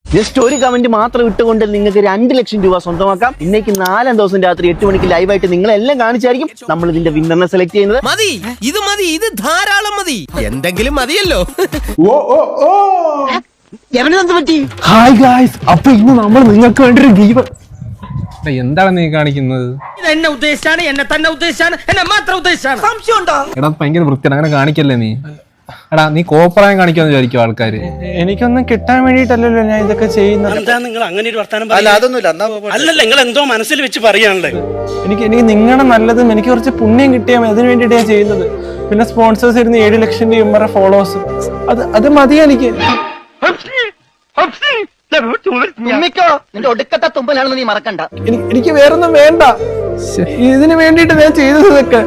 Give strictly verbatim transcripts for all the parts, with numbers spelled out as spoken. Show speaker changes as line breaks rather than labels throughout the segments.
Just ഒരു comment മാത്രം ഇട്ടുകൊണ്ട് നിങ്ങൾക്ക് രണ്ട് ലക്ഷം രൂപ സ്വന്തമാക്കാം. ഇന്നേക്ക് നാലാം ദിവസം രാത്രി എട്ട് മണിക്ക് ലൈവായിട്ട് നിങ്ങളെല്ലാം കാണിച്ചായിരിക്കും നമ്മൾ ഇതിന്റെ വിന്നറിനെ സെലക്ട് ചെയ്യുന്നത്.
മതി, ഇത് മതി, ഇത് ധാരാളം മതി. എന്തെങ്കിലും മതിയല്ലോ.
ഓ ഓ ഓ
ഹായ് ഗായ്സ്, അപ്പൊ ഇന്ന് നമ്മൾ നിങ്ങൾക്ക് വേണ്ടി ഒരു ഗീവ്.
എന്താണ് നീ കാണിക്കുന്നത്?
എന്നെ ഉദ്ദേശിച്ചാണ്, എന്നെ തന്നെ ഉദ്ദേശിച്ചാണ്, എന്നെ മാത്രം ഉദ്ദേശിച്ചാണ്. സംശയം ഉണ്ടോ?
എടാ ഭയങ്കര വൃത്തിയാണ്, അങ്ങനെ കാണിക്കല്ലേ നീ. എടാ നീ കോപ്രായം കാണിക്കാന്ന് വിചാരിക്കും ആൾക്കാര്. എനിക്കൊന്നും കിട്ടാൻ വേണ്ടിട്ടല്ലല്ലോ ഞാൻ ഇതൊക്കെ ചെയ്യുന്നത്.
എന്താ നിങ്ങൾ അങ്ങനെ ഒരു വർത്താനം? അല്ലല്ല, നിങ്ങൾ എന്തോ മനസ്സിൽ വെച്ച് പറയാണല്ലേ.
എനിക്ക് എനിക്ക് നിങ്ങളുടെ നല്ലതും എനിക്ക് കുറച്ച് പുണ്യം കിട്ടിയാൽ അതിന് വേണ്ടിയിട്ട് ഞാൻ ചെയ്യുന്നത്. പിന്നെ സ്പോൺസേഴ്സ് ഇരുന്ന് ഏഴ് ലക്ഷം രൂപ ഫോളോവേഴ്സ്, അത് അത് മതി എനിക്ക്.
നിന്റെ ഒടുക്കത്തെ തുമ്പലാണെന്ന് നീ മറക്കണ്ട.
എനിക്ക് വേറൊന്നും വേണ്ട, ഇതിന് വേണ്ടിട്ട് ഞാൻ ചെയ്തത് ഇതൊക്കെ.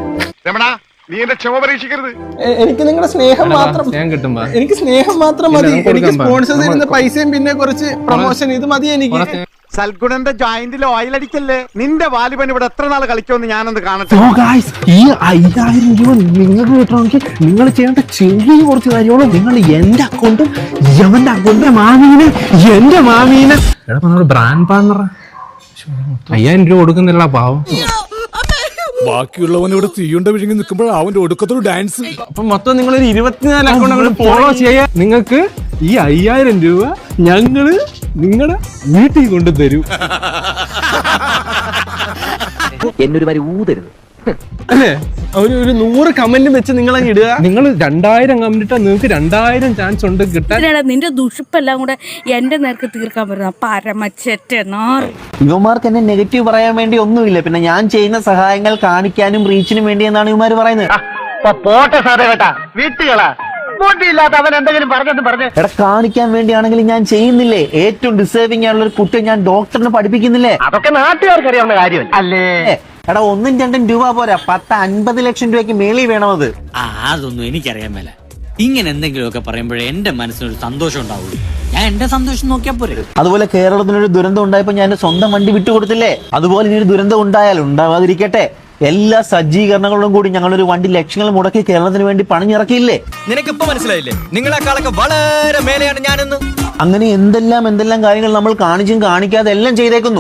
എനിക്ക് നിങ്ങളുടെ സ്നേഹം മാത്രം കിട്ടുമ്പോ എനിക്ക് സ്നേഹം മാത്രം മതി. എനിക്ക് സ്പോൺസേഴ്സ് തരുന്ന പൈസയും പിന്നെ കുറച്ച് പ്രൊമോഷൻ, ഇത് മതി എനിക്ക്.
സൽഗുണന്റെ ജോയിന്റിൽ ഓയിൽ അടിക്കല്ലേ. നിന്റെ വാലിബൻ ഇവിടെ എത്ര നാൾ കളിക്കുമെന്ന് ഞാനൊന്ന് കാണട്ടെ.
ഈ അയ്യായിരം രൂപ നിങ്ങൾക്ക് കിട്ടണമെങ്കിൽ നിങ്ങൾ ചെയ്യേണ്ട ചെറിയ കുറച്ച് കാര്യങ്ങളും. നിങ്ങൾ എന്റെ അക്കൗണ്ടും എവന്റെ അക്കൗണ്ടും മാമീനെ എന്റെ മാമീനെ
എടാ നമ്മുടെ ബ്രാൻഡ് പാർട്ണർ അയ്യായിരം രൂപ കൊടുക്കുന്നില്ല പാവം.
ബാക്കിയുള്ളവൻ ഇവിടെ തീയുണ്ട വിഴുങ്ങി നിൽക്കുമ്പോൾ അവന്റെ ഒടുക്കത്തൊരു ഡാൻസ്.
അപ്പൊ മൊത്തം നിങ്ങളൊരു ഇരുപത്തിനാല് അക്കൗണ്ട് ഫോളോ ചെയ്യാൻ നിങ്ങൾക്ക് ഈ അയ്യായിരം രൂപ ഞങ്ങള് നിങ്ങളുടെ വീട്ടിൽ കൊണ്ടുതരും.
എന്നൊരു വരി ഊതരുത്
അല്ലേ? ഒരു ഒരു നൂറ് കമന്റ് വെച്ച് നിങ്ങളെ ഇടുക. നിങ്ങൾ രണ്ടായിരം കമന്റ് ഇട്ടാൽ നിങ്ങൾക്ക് രണ്ടായിരം ചാൻസ് ഉണ്ട് കിട്ടാൻ.
നിന്റെ ദുഷിപ്പെല്ലാം കൂടെ എന്റെ നേർക്ക് തീർക്കാൻ പറ്റുന്ന പരമച്ചെറ്റ നാറ്.
ഇവന്മാർക്ക് എന്നെ നെഗറ്റീവ് പറയാൻ വേണ്ടി ഒന്നുമില്ല. പിന്നെ ഞാൻ ചെയ്യുന്ന സഹായങ്ങൾ കാണിക്കാനും റീച്ചിനും വേണ്ടി എന്നാണ് ഇവന്മാര് പറയുന്നത്.
പോട്ടെ സാറേ കേട്ടാ, വീട്ടുകളാ ബോട്ടിയില്ലാത്ത അവൻ എന്തെങ്കിലും പറഞ്ഞെന്ന് പറഞ്ഞു.
എടാ കാണിക്കാൻ വേണ്ടിയാണെങ്കിൽ ഞാൻ ചെയ്യുന്നില്ലേ? ഏറ്റവും ഡിസേർവിംഗ് ആയുള്ള ഒരു കുട്ടിയെ ഞാൻ ഡോക്ടറിനെ പഠിപ്പിക്കുന്നില്ലേ?
അതൊക്കെ നാട്ടുകാർക്ക് അറിയാവുന്ന കാര്യം അല്ലേ.
എടാ ഒന്നും രണ്ടും രൂപ പോരാ, പത്ത് അൻപത് ലക്ഷം രൂപയ്ക്ക് മേളിൽ വേണമത്.
ആ അതൊന്നും എനിക്കറിയാൻ മേല. ഇങ്ങനെ എന്തെങ്കിലുമൊക്കെ പറയുമ്പോഴേ എന്റെ മനസ്സിനൊരു സന്തോഷം ഉണ്ടാവുള്ളൂ. ഞാൻ എന്റെ സന്തോഷം നോക്കിയാ പോരെ.
അതുപോലെ കേരളത്തിനൊരു ദുരന്തം ഉണ്ടായപ്പോ ഞാൻ സ്വന്തം വണ്ടി വിട്ടുകൊടുത്തില്ലേ? അതുപോലെ ഇനി ഒരു ദുരന്തം ഉണ്ടായാൽ ഉണ്ടാവാതിരിക്കട്ടെ, എല്ലാ സജ്ജീകരണങ്ങളും കൂടി ഞങ്ങളൊരു വണ്ടി ലക്ഷങ്ങൾ മുടക്കി കേരളത്തിന് വേണ്ടി പണിഞ്ഞിറക്കിയില്ലേ?
നിനക്കിപ്പോ മനസ്സിലായില്ലേ നിങ്ങളെക്കാളൊക്കെ വളരെ മേലെയാണ് ഞാനെന്ന്?
അങ്ങനെ എന്തെല്ലാം എന്തെല്ലാം കാര്യങ്ങൾ നമ്മൾ കാണിച്ചും കാണിക്കാതെ എല്ലാം ചെയ്തേക്കുന്നു.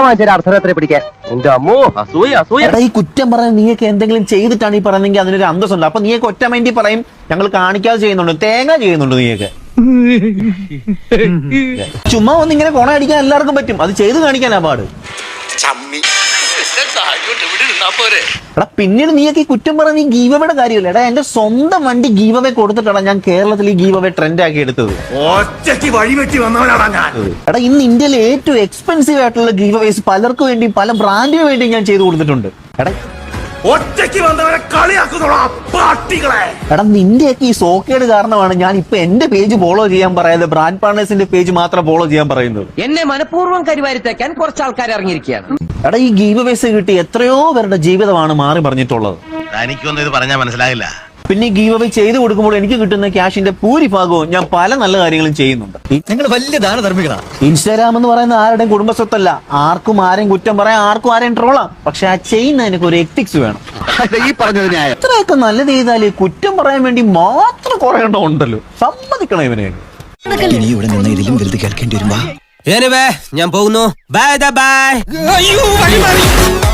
എടാ ഈ കുറ്റം പറയാൻ നീയൊക്കെ എന്തെങ്കിലും ചെയ്തിട്ടാണ് ഈ പറയുന്നെങ്കിൽ അതിനൊരു അന്തസ്സുണ്ട്. അപ്പൊ നീയൊക്കെ ഒറ്റ മൈൻഡിൽ പറയും ഞങ്ങൾ കാണിക്കാതെ ചെയ്യുന്നുണ്ട്, തേങ്ങ ചെയ്യുന്നുണ്ട് നീയൊക്കെ. ചുമ്മാ ഒന്ന് ഇങ്ങനെ കൊണ അടിക്കാൻ എല്ലാവർക്കും പറ്റും, അത് ചെയ്ത് കാണിക്കാനാ പാട്. എടാ പിന്നീട് നീയൊക്കെ ഈ കുറ്റം പറഞ്ഞ ഈ ഗീവവയുടെ കാര്യമില്ല. എടാ എന്റെ സ്വന്തം വണ്ടി ഗീവവേ കൊടുത്തിട്ടാണ് ഞാൻ കേരളത്തിൽ ഈ ഗീവവേ ട്രെൻഡ് ആക്കി എടുത്തത്. എടാ ഇന്ന് ഇന്ത്യയിലെ ഏറ്റവും എക്സ്പെൻസീവ് ആയിട്ടുള്ള ഗീവവേസ് പലർക്കും വേണ്ടി പല ബ്രാൻഡിന് വേണ്ടി ഞാൻ ചെയ്തു കൊടുത്തിട്ടുണ്ട്. എടാ എടാ നിന്റെയൊക്കെ ഈ സോക്കേട് കാരണമാണ് ഞാൻ ഇപ്പൊ എന്റെ പേജ് ഫോളോ ചെയ്യാൻ പറയാതെ ബ്രാൻഡ് പാർട്ണേഴ്സിന്റെ പേജ് മാത്രം ഫോളോ ചെയ്യാൻ പറയുന്നത്.
എന്നെ മനഃപൂർവ്വം കരിവാരിത്തേക്കാൻ കുറച്ച് ആൾക്കാർ ഇറങ്ങിയിരിക്കുകയാണ്.
എടാ ഈ ഗീവവേസ് കിട്ടി എത്രയോ പേരുടെ ജീവിതമാണ് മാറി പറഞ്ഞിട്ടുള്ളത്.
എനിക്കൊന്നും ഇത് പറഞ്ഞാൽ മനസ്സിലാകില്ല.
പിന്നെ ഈ ഗീവ് അവേ ചെയ്തു കൊടുക്കുമ്പോൾ എനിക്ക് കിട്ടുന്ന ക്യാഷിന്റെ ഭൂരിഭാഗവും ഞാൻ പല നല്ല കാര്യങ്ങളും ചെയ്യുന്നുണ്ട്.
നിങ്ങൾ വലിയ ദാനധർമ്മികളാണ്.
ഇൻസ്റ്റാഗ്രാം എന്ന് പറയുന്ന ആരുടെയും കുടുംബസ്വത്തല്ല. ആർക്കും ആരെയും കുറ്റം പറയാം, ആർക്കും ആരെയും ട്രോളാം. പക്ഷെ ആ ചെയ്യുന്നതിനൊക്കെ ഒരു എത്തിക്സ് വേണം.
ഈ പറഞ്ഞത് ഞാൻ
എത്രയൊക്കെ നല്ലത് ചെയ്താല് കുറ്റം പറയാൻ വേണ്ടി മാത്രം കുറെ എണ്ണം ഉണ്ടല്ലോ. സമ്മതിക്കണം ഇവനെ.
ഇനി ഇവിടെ നിന്ന് ഇതിലും വലുത് കേൾക്കേണ്ടി വരുമ്പോ ഞാൻ പോകുന്നു. Bye by.